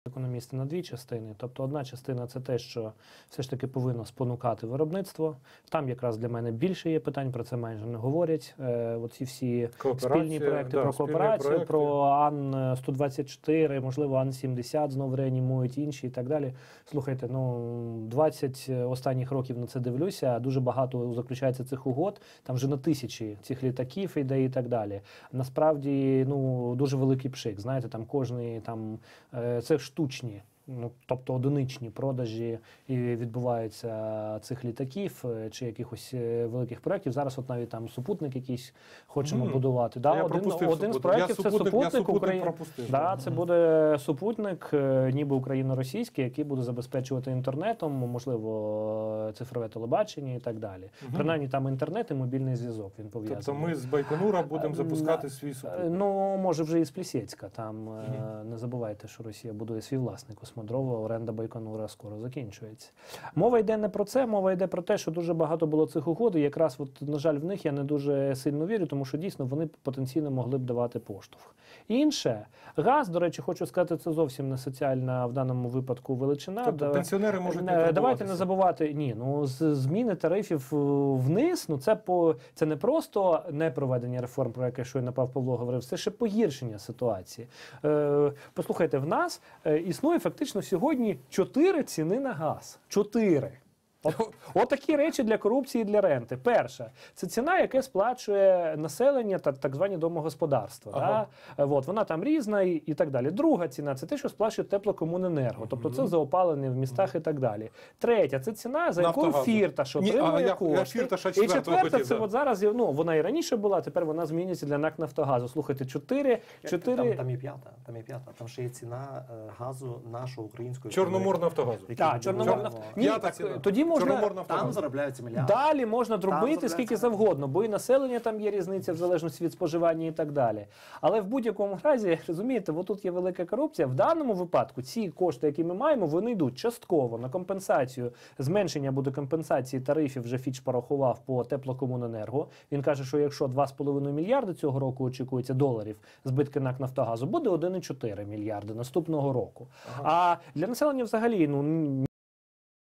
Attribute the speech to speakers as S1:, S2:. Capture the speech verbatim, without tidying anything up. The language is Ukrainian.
S1: Економісти на дві частини. Тобто одна частина – це те, що все ж таки повинно спонукати виробництво. Там якраз для мене більше є питань, про це майже не говорять. Е, оці всі спільні проекти
S2: да,
S1: про кооперацію,
S2: проекти.
S1: про Ан сто двадцять чотири, можливо, Ан сімдесят знову реанімують, інші і так далі. Слухайте, ну, двадцять останніх років на це дивлюся, дуже багато заключається цих угод, там вже на тисячі цих літаків іде і так далі. Насправді, ну, дуже великий пшик, знаєте, там кожний, там, е, це штучні, ну, тобто одиничні продажі і відбуваються цих літаків чи якихось великих проєктів. Зараз от навіть там супутник якийсь хочемо mm. будувати. Да,
S2: я
S1: один один з проєктів це супутник, Украї... да, це буде супутник, ніби україно-російський, який буде забезпечувати інтернетом, можливо, цифрове телебачення і так далі. Mm. Принаймні там інтернет і мобільний зв'язок він пов'язаний.
S2: Тобто ми з Байконура будемо запускати свій супутник?
S1: Ну, може вже і з Плісецька. Там mm. не забувайте, що Росія будує свій власний космодром. Оренда Байконура скоро закінчується. Мова йде не про це, мова йде про те, що дуже багато було цих угод, і якраз, от, на жаль, в них я не дуже сильно вірю, тому що дійсно вони потенційно могли б давати поштовх. Інше, газ, до речі, хочу сказати, це зовсім не соціальна в даному випадку величина.
S2: Тобто
S1: да,
S2: пенсіонери можуть не
S1: Давайте не забувати, ні, ну з зміни тарифів вниз, ну це, по, це не просто не проведення реформ, про яке щойно Пав Павло говорив, це ще погіршення ситуації. Е, послухайте, в нас е, існує фактично сьогодні чотири ціни на газ. Чотири. От, от такі речі для корупції і для ренти. Перша – це ціна, яка сплачує населення та так звані домогосподарства. Ага. Да? От, вона там різна і, і так далі. Друга ціна – це те, що сплачує теплокомуненерго. Тобто це за опалення в містах і так далі. Третя – це ціна, за якою Фірташ отримує кошти. І четверта – це от зараз, ну, вона і раніше була, тепер вона змінюється для НАК «Нафтогазу». Слухайте, чотири... чотири...
S3: Там, там є п'ята, там є п'ята. Там ще є ціна е, газу нашого українського...
S2: Чорноморнафтогазу.
S1: Так, Чорноморнафтогазу. Ні, так, тоді можна,
S3: там заробляються мільярди.
S1: Далі можна дробити скільки завгодно, бо і населення там є різниця в залежності від споживання і так далі. Але в будь-якому разі, розумієте, тут є велика корупція. В даному випадку ці кошти, які ми маємо, вони йдуть частково на компенсацію. Зменшення буде компенсації тарифів, вже Фіч порахував по теплокомуненерго. Він каже, що якщо два з половиною мільярди цього року очікується доларів збитки НАК «Нафтогазу», буде один і чотири мільярди наступного року. Ага. А для населення взагалі, ну,